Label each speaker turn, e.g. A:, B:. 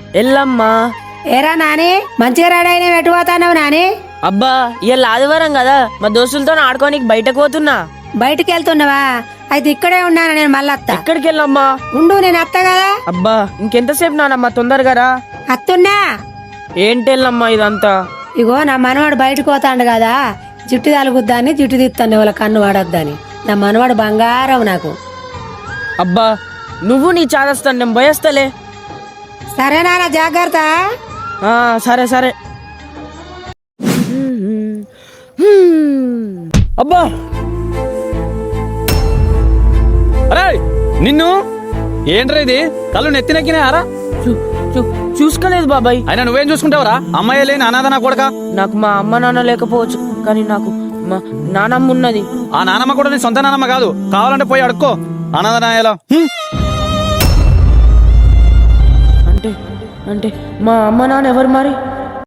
A: ఎల్లమ్మా.
B: ఏరా నాని మంచిగా రెడీ అయినా ఎటు పోతాన్నావు నాని?
A: అబ్బా ఇవాళ ఆదివారం కదా, మా దోస్తులతో ఆడుకోనికి బయటకు పోతున్నా.
B: బయటికి వెళ్తున్నావా? అయితే ఇక్కడే ఉన్నాను నేను, మళ్ళీ అత్త.
A: ఎక్కడికి వెళ్ళమ్మా?
B: ఉండు, నేను అత్త కదా.
A: అబ్బా ఇంకెంతసేపు నానమ్మా, తొందరగా రా.
B: అత్తున్నా.
A: ఏంటి ఎల్లమ్మా ఇదంతా?
B: ఇగో నా మనవాడు బయటకు పోతాండు కదా, జుట్టు తలుగుద్దాన్ని జుట్టు తీస్తాను వాళ్ళ కన్ను వాడొద్దని. నా మనవాడు బంగారం నాకు.
A: అబ్బా నువ్వు నీ చాదస్తాను, నేను భయస్తలే.
B: సరేనా, జాగ్రత్త.
A: సరే సరే.
C: అబ్బా అరే నిన్ను ఏంట్రా ఇది? కళ్ళు నెత్తినెక్కినాయారా?
A: చూసుకోలేదు బాబాయ్.
C: అయినా నువ్వేం చూసుకుంటావురా? అమ్మాయి లేని అనాథ నా కొడక.
A: నాకు మా అమ్మ నాన్న లేకపోవచ్చు, కానీ నాకు మా నానమ్మ ఉన్నది.
C: ఆ నానమ్మ కూడా నీ సొంత నానమ్మ కాదు, కావాలంటే పోయి అడుక్కో. అనాథ నాయలా
A: అంటే అంటే మా అమ్మ నాన్న ఎవరు మరి?